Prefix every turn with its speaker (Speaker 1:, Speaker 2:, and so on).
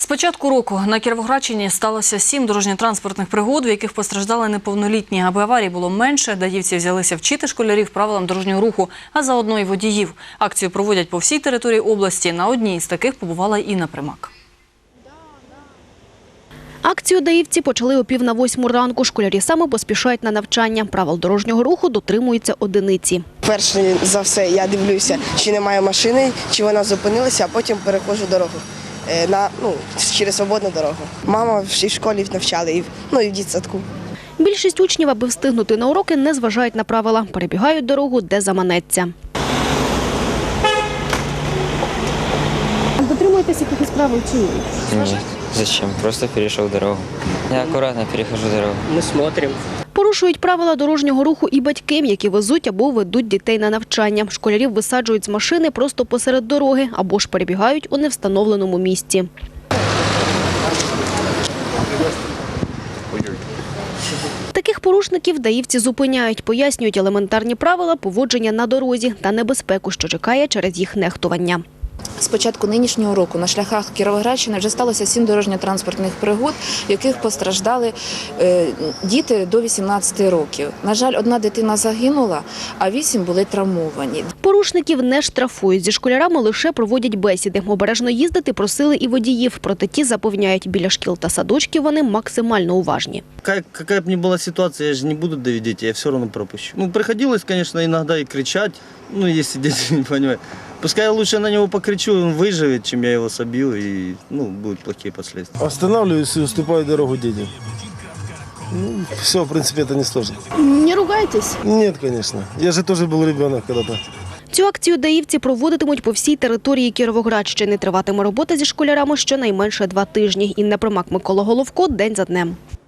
Speaker 1: початку року на Кіровоградщині сталося 7 дорожньо-транспортних пригод, в яких постраждали неповнолітні. Аби аварій було менше, даївці взялися вчити школярів правилам дорожнього руху, а заодно й водіїв. Акцію проводять по всій території області. На одній з таких побувала Інна Примак.
Speaker 2: Акцію даївці почали о 7:45 ранку. Школярі саме поспішають на навчання. Правил дорожнього руху дотримуються одиниці.
Speaker 3: Перш за все я дивлюся, чи немає машини, чи вона зупинилася, а потім переходжу дорогу через свободну дорогу. Мама в школі навчала, і в дитсадку.
Speaker 2: Більшість учнів, аби встигнути на уроки, не зважають на правила. Перебігають дорогу, де заманеться. Дотримуєтесь якихось правил чи ні?
Speaker 4: Нет, зачем? Просто перешел дорогу. Я аккуратно перехожу дорогу.
Speaker 5: Мы смотрим.
Speaker 2: Порушують правила дорожнього руху і батьки, які везуть або ведуть дітей на навчання. Школярів висаджують з машини просто посеред дороги або ж перебігають у невстановленому місці. Таких порушників даївці зупиняють, пояснюють елементарні правила поводження на дорозі та небезпеку, що чекає через їх нехтування.
Speaker 6: З початку нинішнього року на шляхах Кіровоградщини вже сталося 7 дорожньо-транспортних пригод, в яких постраждали діти до 18 років. На жаль, одна дитина загинула, а 8 були травмовані.
Speaker 2: Порушників не штрафують. Зі школярами лише проводять бесіди. Обережно їздити просили і водіїв. Проте ті запевняють, біля шкіл та садочків вони максимально уважні.
Speaker 7: Какая бы ни была ситуация, я же не буду давить детей, я все равно пропущу. Приходилось, конечно, иногда и кричать, если дети не понимают. Пускай я лучше на него покричу, он выживет, чем я его собью, и будут плохие последствия.
Speaker 8: Останавливаюсь и уступаю дорогу детям. Все, в принципе, это не сложно.
Speaker 2: Не ругайтесь?
Speaker 8: Нет, конечно. Я же тоже был ребенок когда-то.
Speaker 2: Цю акцію даївці проводитимуть по всій території Кіровоградщини. Триватиме робота зі школярами щонайменше 2 тижні. Інна Примак, Микола Головко. День за днем.